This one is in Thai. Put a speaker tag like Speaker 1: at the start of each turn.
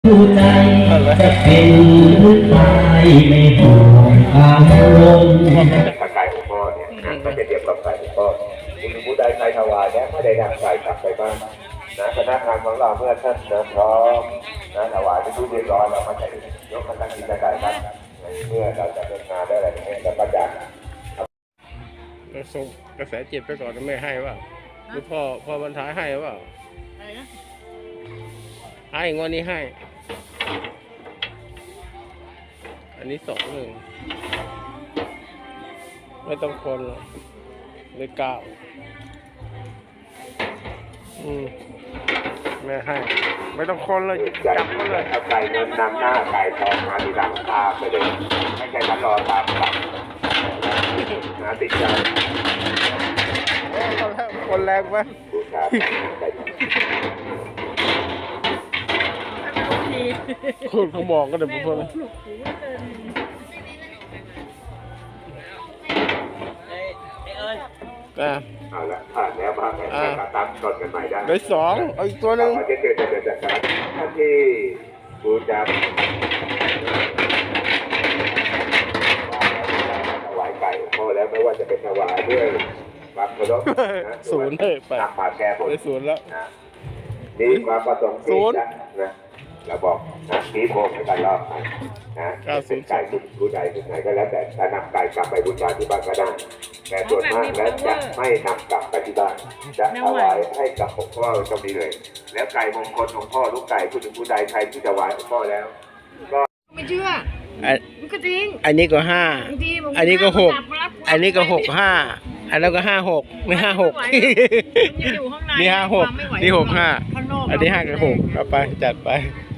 Speaker 1: ดูใจจะเป็นหรือตายไม่ห่วงทางลงถ้าไก่ของพ่อเนี่ยก็จะเรียบกับไก่ของพ่อคุณผู้ใดใครถวายแล้วไม่ได้นำไก่กลับไปบ้านนะคณะงานของเราเมื่อท่านพร้อมนะถวายเป็นทุเรียบร้อยเราก็จะยกมาตั้งกิจการครับเมื่อเราจะเป็นงานได้อะไรอย่างเงี้ยเราก็จะ
Speaker 2: เราส่งกระแสจิตไปก่อนไม่ให้ว่าหรือพ่อบรรทายให้ว่าให้งวดนี้ให้อันนี้21ไม่ต้องคนหรอกเลย9แม่ให้ไม่ต้องคนเลยจับมาเลย
Speaker 1: เอาไก่เงินนำหน้าไก่ทองมาทีหลังตามไปเลยไม่ใช่ฉันรอตามกลับนะติดใจ
Speaker 2: คนแรงไหมคนเขามองก็เดี๋ยวพูด
Speaker 1: เอาละผ่านแล้วผ่านแล้วตั้งต้นกันใหม่ได้
Speaker 2: ได้2เอาอีกตัวหนึ่ง
Speaker 1: จะเกิดจากการที่บูชาถวายไก่พ่อแล้วไม่ว่าจะเป็นถวายด้วยความเคารพ
Speaker 2: 0เลยไป
Speaker 1: ตักบาตรแก้บน
Speaker 2: ได้0แล้ว
Speaker 1: นี่ความประสงค์ที่นะเราบอกชี้โพงให้กันรอบไปเป็นไก่ผู้ใดผู้ไหนก็แล้วแต่จะนำไก่กลับไปบูชาที่บ้านก็ได้แต่ส่วนมากแล้วจะไม่นำกลับไปที่บ้านจะถวายให้กับหลวงพ่อตรงนี้เลยแล้วไก่มงคลของพ่อลูกไก่ผู้ใดใครที่ถวายหลวงพ่อแล้วก็
Speaker 3: ไม่เชื่อมันก็จริง
Speaker 2: อันนี้ก็5อันนี้ก็6อันนี้ก็65อันนั้นก็56ไม่56นี่56นี่65อันนี้5กับ6เอาไปจัดไป